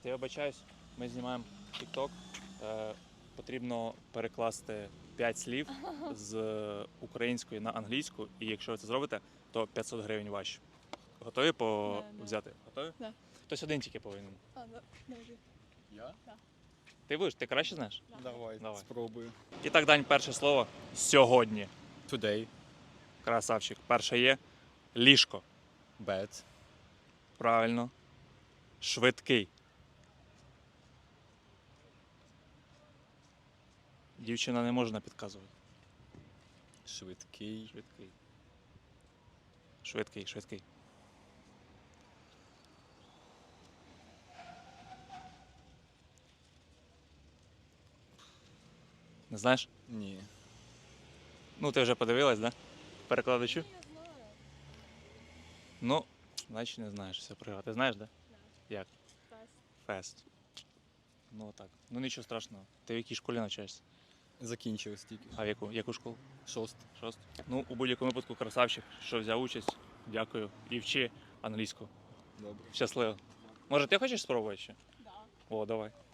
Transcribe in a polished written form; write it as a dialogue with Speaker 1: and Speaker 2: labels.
Speaker 1: Я вибачаюсь, ми знімаємо TikTok. Потрібно перекласти 5 слів з української на англійську, і якщо ви це зробите, то 500 гривень ваші. Готові взяти? Готові?
Speaker 2: Да.
Speaker 1: Хтось один тільки повинен.
Speaker 2: Давай.
Speaker 3: Я?
Speaker 1: Ти будеш? Ти краще знаєш?
Speaker 3: Давай, спробую.
Speaker 1: І так, Дань, перше слово сьогодні.
Speaker 3: Today.
Speaker 1: Красавчик. Перше є ліжко.
Speaker 3: Bed.
Speaker 1: Правильно. Швидкий. Дівчина не можна підказувати.
Speaker 3: Швидкий.
Speaker 1: Швидкий. Швидкий, швидкий. Не знаєш?
Speaker 3: Ні.
Speaker 1: Ну, ти вже подивилась, да? Перекладачу? Ну, значить не знаєш все про. Ти знаєш, да? Як? Фест. Ну так. Ну нічого страшного. Ти в якій школі навчаєшся?
Speaker 3: Закінчилось тільки.
Speaker 1: А в яку школу?
Speaker 3: 6.
Speaker 1: Шосту. Ну, у будь-якому випадку красавчик, що взяв участь. Дякую. І вчи англійську.
Speaker 3: Добре.
Speaker 1: Щасливо. Може, ти хочеш спробувати ще?
Speaker 2: Да.
Speaker 1: О, давай.